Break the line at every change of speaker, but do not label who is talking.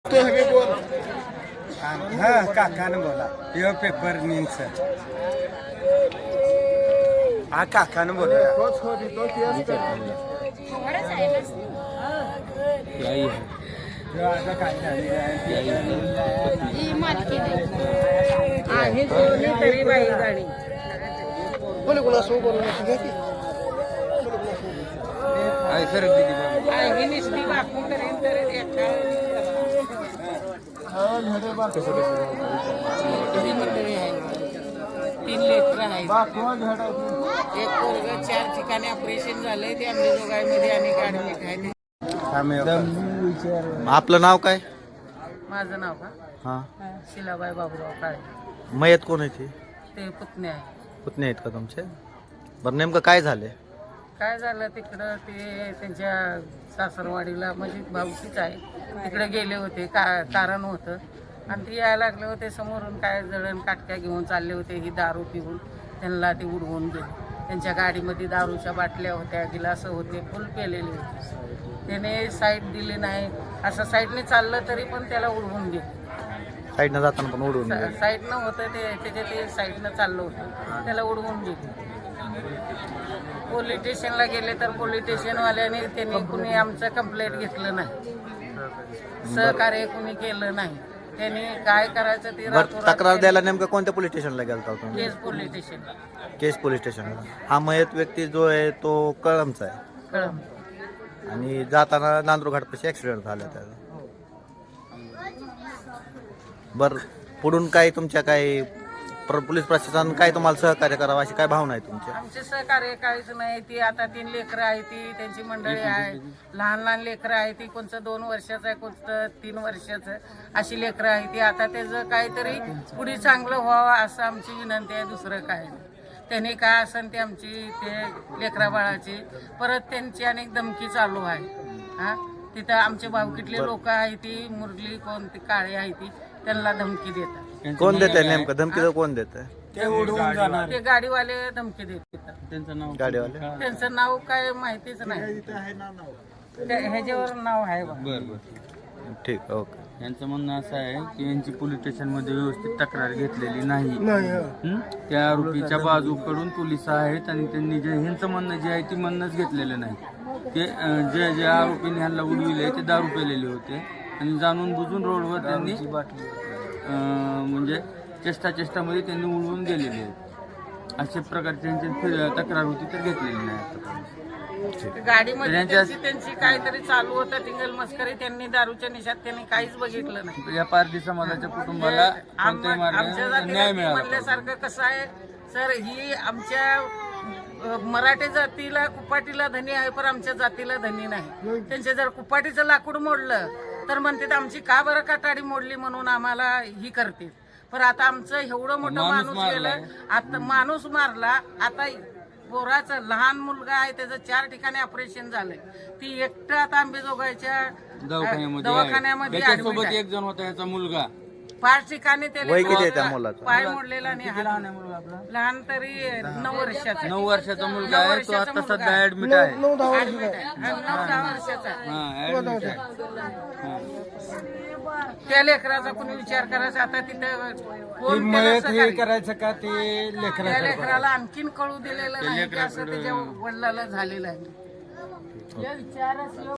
तो हवे बोल
हा काकानं बोला यो पेपर न्यूज हा काकानं बोला
तोच होती तो तेच
तरी बाई गाडी
बोले कोणा सो बोलला घ्या की
ही निष्ठी बापू करेन तर तीन लेकर आहेत. एक पोरग 4 ठिकाणी ऑपरेशन झालंय ते अंबेजोगाईमध्ये आणि ऍडमिट आहे.
आपलं नाव काय?
माझं नाव का
हा
शिलाबाई बाबूराव काळे.
मयत कोण आहे
ते पुतणे आहे.
पुतणे आहेत का तुमचे? बरं नेमकं काय झाले?
काय झालं तिकडं ते त्यांच्या सासरवाडीला म्हणजे भाऊकीच आहे तिकडे गेले होते कारण होतं आणि ते यायला लागले होते समोरून काय जळण काटक्या घेऊन चालले होते ही दारू पिऊन त्यांना ते उडवून गेले. त्यांच्या गाडीमध्ये दारूच्या बाटल्या होत्या गिलासं होते फुल पेलेले होते. त्याने साईड दिली नाही असं साईडने चाललं तरी पण त्याला उडवून गेले.
साईडनं जाताना पण उडून गेले.
साईडनं होतं ते साईडनं चाललं होतं त्याला उडवून गेले. पोलीस स्टेशनला गेले तर पोलीस स्टेशनवाल्याने त्यांनी कुणी आमचं कंप्लेंट घेतलं नाही, सहकार्य कुणी केलं नाही. त्यांनी काय करायचं ते
तक्रार द्यायला नेमकं कोणत्या पोलीस स्टेशनला गेलता तुम्ही?
Case police station.
Case police स्टेशनला. हा मयत व्यक्ती जो आहे तो कळमचा आहे
कळम.
आणि जाताना नांदूर घाटपाशी ऍक्सिडेंट झाला त्याचा. बर पुढून काय तुमच्या काय पोलीस प्रशासन काय तुम्हाला सहकार्य करावं अशी काय भावना आहे तुमच्या?
आमचे सहकार्य काहीच नाही. ती आता 3 लेकरं आहे, ती त्यांची मंडळी आहे, लहान लहान लेकरं आहे. ती कोणतं 2 वर्षाचं आहे, कोणतं 3 वर्षाचं, अशी लेकरं आहे ती. आता त्याचं काहीतरी पुढे चांगलं व्हावं असं आमची विनंती आहे, दुसरं काय नाही. त्यांनी काय असेल ते आमची ते लेकरा बाळाची परत त्यांची अनेक धमकी चालू आहे. हा तिथं आमचे भावकीतले लोक आहे ती मुरली कोणती काळे आहे ती त्यांना धमकी देतात.
कोण देत आहे नेमकं धमकी? कोण देत आहे?
ते गाडीवाले धमकी देतात.
गाडीवाले.
त्यांचं नाव काय माहितीच नाही. ह्याच्यावर नाव आहे बा.
ठीक ओके.
यांचं म्हणणं असं आहे की यांची पोलीस स्टेशनमध्ये व्यवस्थित तक्रार घेतलेली नाही. त्या आरोपीच्या बाजूकडून पोलिस आहेत आणि त्यांनी जे ह्यांचं म्हणणं जे आहे ती म्हणणंच घेतलेलं नाही. ते जे आरोपीने ह्यांना उडविले ते दारू पेलेले होते आणि जाणून बुजून रोडवर त्यांनी म्हणजे चेष्टामध्ये त्यांनी उडवून गेलेले आहेत. अशा प्रकारची त्यांची तक्रार होती तर घेतलेली नाही.
गाडीमध्ये त्यांची काहीतरी चालू होतं टिंगल मस्करी. त्यांनी दारूच्या निशात त्यांनी काहीच बघितलं नाही.
या पारधी समाजाच्या कुटुंबाला कोणत्याही
आमच्या
मार्गाने न्याय मिळाला
म्हणल्यासारखं कसं आहे सर, ही आमच्या मराठी जातीला कुपाटीला धनी आहे पण आमच्या जातीला धनी नाही. त्यांचे जर कुपाटीचं लाकूड मोडलं तर म्हणते आमची का बरं काटाडी मोडली म्हणून आम्हाला ही करते. पण आता आमचं एवढं मोठं माणूस गेलं, आता माणूस मारला. आता पोराचं लहान मुलगा आहे त्याचं 4 ठिकाणी ऑपरेशन झालंय. ती एकटं आता आंबेजोगाईच्या दवाखान्यामध्ये
सोबत एक जण होता याचा मुलगा.
5 ठिकाणी
वय किती आहे त्या मुलाचं?
पाय मोडलेला नाही. लहान तरी 9 वर्षाचा.
9 वर्षाचा मुलगा आहे तो आता सध्या ऍडमिट आहे.
9-10 वर्षाचा. त्या लेकराचा कोणी विचार करायचा. आता तिथं कोण
करायचं का ते
त्या लेकराला आणखीन कळू दिलेलं नाही की असं त्याच्या वडिलाला झालेलं आहे.